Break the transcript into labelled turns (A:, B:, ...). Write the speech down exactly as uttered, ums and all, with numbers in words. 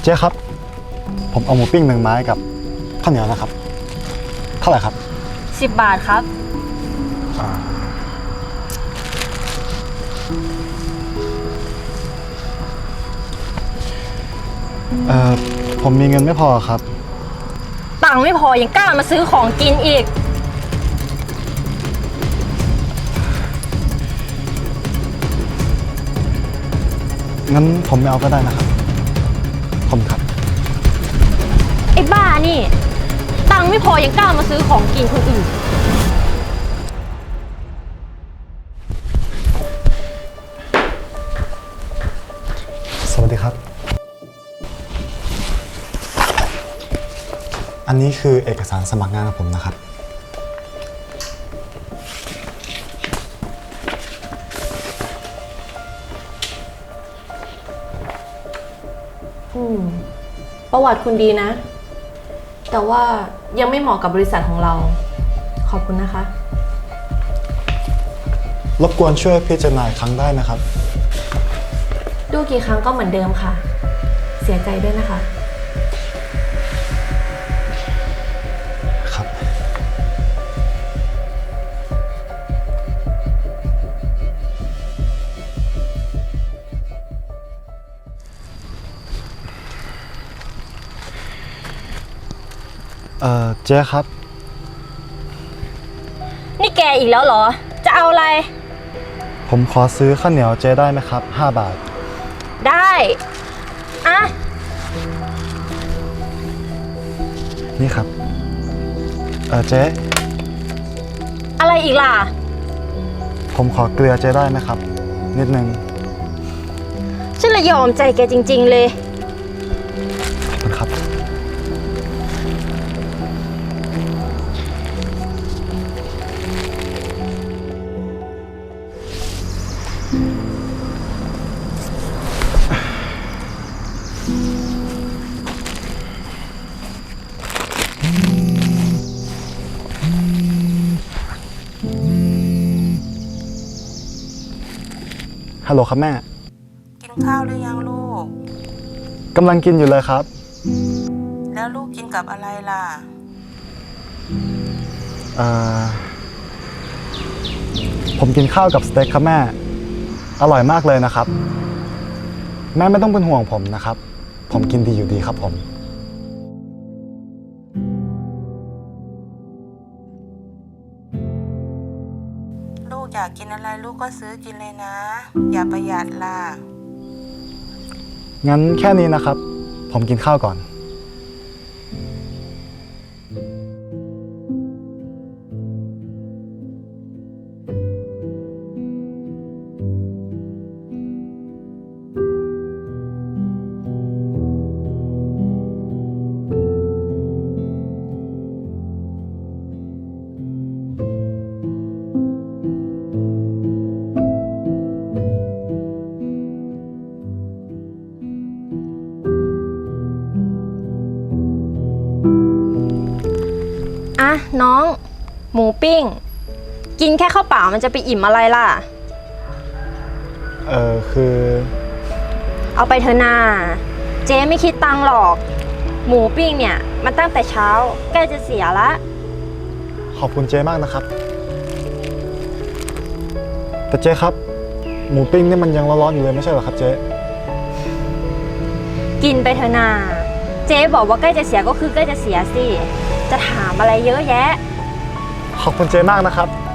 A: เจ๊ครับผมเอาหมูปิ้งหนึ่งไม้กับข้าวเหนียวนะครับเท่าไหร่ครับ
B: สิบบาทครับ
A: เอ่อผมมีเงินไม่พอครับ
B: ตังค์ไม่พอยังกล้ามาซื้อของกินอีก
A: งั้นผมไม่เอาก็ได้นะครับผมครับ
B: ไอ้บ้านี่ตังค์ไม่พอยังกล้ามาซื้อของกินคนอื่น
A: สวัสดีครับอันนี้คือเอกสารสมัครงานของผมนะครับ
C: อืมประวัติคุณดีนะแต่ว่ายังไม่เหมาะกับบริษัทของเราขอบคุณนะคะ
A: รบกวนช่วยพิจารณาอีกครั้งได้นะครับ
C: ดูกี่ครั้งก็เหมือนเดิมค่ะเสียใจด้วยนะคะ
A: ครับเอ่อเจ๊ครับ
B: นี่แกอีกแล้วเหรอจะเอาอะไร
A: ผมขอซื้อข้าวเหนียวเจ๊ได้ไหมครับห้าบาท
B: ได้อะ
A: นี่ครับเออเจ๊
B: อะไรอีกล่ะ
A: ผมขอเกลือเจ๊ได้ไหมครับนิดนึง
B: ฉันละยอมใจแกจริงๆเลย
A: ขอบคุณครับฮัลโหลครับแม่
D: กินข้าวหรือยังลูก
A: กำลังกินอยู่เลยครับ
D: แล้วลูกกินกับอะไรล่ะ
A: เอ่อผมกินข้าวกับสเต็กครับแม่อร่อยมากเลยนะครับแม่ไม่ต้องเป็นห่วงผมนะครับผมกินดีอยู่ดีครับผม
D: ลูกอยากกินอะไรลูกก็ซื้อกินเลยนะอย่าประหยัดล่ะ
A: งั้นแค่นี้นะครับผมกินข้าวก่อน
B: อะน้องหมูปิ้งกินแค่ข้าวเปล่ามันจะไปอิ่มอะไรล่ะ
A: เออคือ
B: เอาไปเถอะนาเจ๊ไม่คิดตังค์หรอกหมูปิ้งเนี่ยมันตั้งแต่เช้าใกล้จะเสียละ
A: ขอบคุณเจ๊มากนะครับแต่เจ๊ครับหมูปิ้งนี่มันยังร้อนๆอยู่เลยไม่ใช่เหรอครับเจ๊
B: กินไปเถอะนาเจ๊บอกว่าใกล้จะเสียก็คือใกล้จะเสียสิจะถามอะไรเยอะแยะ
A: ขอบคุณเจ๊มากนะครับ